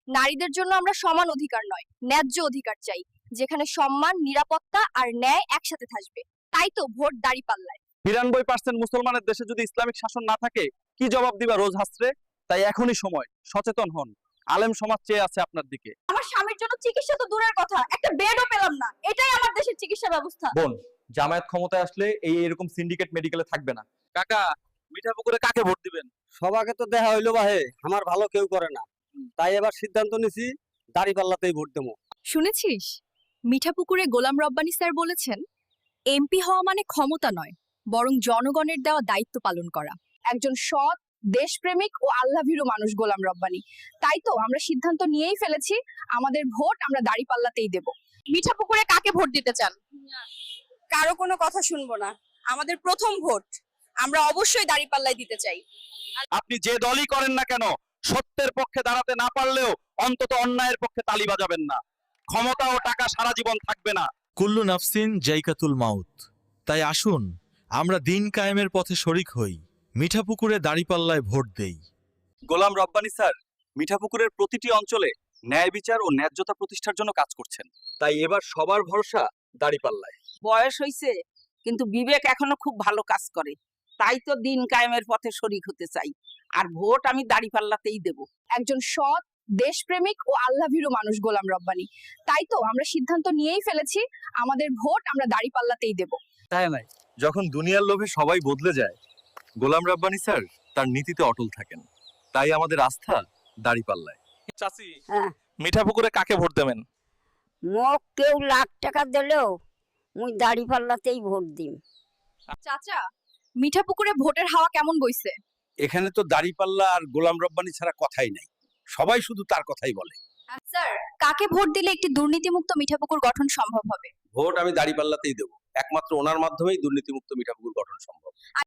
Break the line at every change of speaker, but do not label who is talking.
নারীদের জন্য আমরা সমান অধিকার নয়, ন্যায্য অধিকার চাই, যেখানে সম্মান, নিরাপত্তা আর ন্যায় একসাথে থাকবে। তাই তো ভোট দাঁড়িপাল্লায়।
92% মুসলমানের দেশে যদি ইসলামিক শাসন না থাকে, কি জবাব দিবা রোজ হাসরে? তাই এখনই সময়, সচেতন হন। আলেম সমাজ চেয়ে আছে আপনার দিকে।
আমার স্বামীর জন্য চিকিৎসা তো দূরের কথা, একটা বেডও পেলাম না। এটাই আমার দেশের চিকিৎসা ব্যবস্থা।
বোন, জামায়াত ক্ষমতায় আসলে এরকম সিন্ডিকেট মেডিকেলে থাকবে না। কাকা, মিঠাপুকুরে কাকে ভোট দিবেন?
সবাকে তো দেখা হইলো বাহে, আমার ভালো কেউ করে না, তাই এবার সিদ্ধান্ত নিছি দাঁড়িপাল্লাতেই ভোট দেবো।
শুনেছিস, মিঠাপুকুরে গোলাম রব্বানী স্যার বলেছেন, এমপি হওয়া মানে ক্ষমতা নয়, বরং জনগণের দেওয়া দায়িত্ব পালন করা। একজন সৎ, দেশপ্রেমিক ও আল্লাভীরু মানুষ গোলাম রব্বানী। তাই তো আমরা সিদ্ধান্ত নিয়েই ফেলেছি, আমাদের ভোট আমরা দাঁড়িপাল্লাতেই দেব। মিঠাপুকুরে কাকে ভোট দিতে চান? কারো কোনো কথা শুনবো না, আমাদের প্রথম ভোট আমরা অবশ্যই দাঁড়িপাল্লায় দিতে চাই।
আপনি যে দলই করেন না কেন, সত্যের পক্ষে দাঁড়াতে না পারলেও অন্তত অন্যায়ের পক্ষে তালি বাজাবেন না। ক্ষমতা ও টাকা সারা জীবন থাকবে না।
কুল্লু নাফসিন জাইকাতুল মাউত। তাই আসুন আমরা দিন কায়েমের পথে শরিক হই, মিঠাপুকুরে দাঁড়িপাল্লায় ভোট দেই।
গোলাম রব্বানী স্যার মিঠাপুকুরের প্রতিটি অঞ্চলে ন্যায় বিচার ও ন্যায্যতা প্রতিষ্ঠার জন্য কাজ করছেন। তাই এবার সবার ভরসা দাঁড়িপাল্লায়।
বয়স হইছে, কিন্তু বিবেক এখনো খুব ভালো কাজ করে। তাই তো দিন কায়েমের পথে শরিক হতে চাই, আর ভোট আমি দাঁড়িপাল্লাতেই দেব।
একজন সৎ, দেশপ্রেমিক ও আল্লাভীরু মানুষ গোলাম রব্বানী। তাই তো আমরা সিদ্ধান্ত নিয়েই ফেলেছি, আমাদের ভোট আমরা দাঁড়িপাল্লাতেই দেব।
তাই নাই, যখন দুনিয়ার লোভে সবাই বদলে যায়, গোলাম রব্বানী স্যার তার নীতিতে অটল থাকেন। তাই আমাদের আস্থা দাঁড়িপাল্লায়। চাচি,
হ্যাঁ,
মিঠাপুকুরে কাকে ভোট দেবেন?
মোক কেউ লাখ টাকা দিলেও মুই দাঁড়িপাল্লাতেই ভোট দিম।
চাচা, মিঠাপুকুরে ভোটের হাওয়া কেমন বইছে?
এখানে তো দাঁড়িপাল্লা আর গোলাম রব্বানী ছাড়া কথাই নাই, সবাই শুধু তার কথাই বলে।
স্যার, কাকে ভোট দিলে একটি দুর্নীতিমুক্ত মিঠাপুকুর গঠন সম্ভব হবে?
ভোট আমি দাঁড়িপাল্লাতেই দেবো, একমাত্র ওনার মাধ্যমেই দুর্নীতিমুক্ত মিঠাপুকুর গঠন সম্ভব।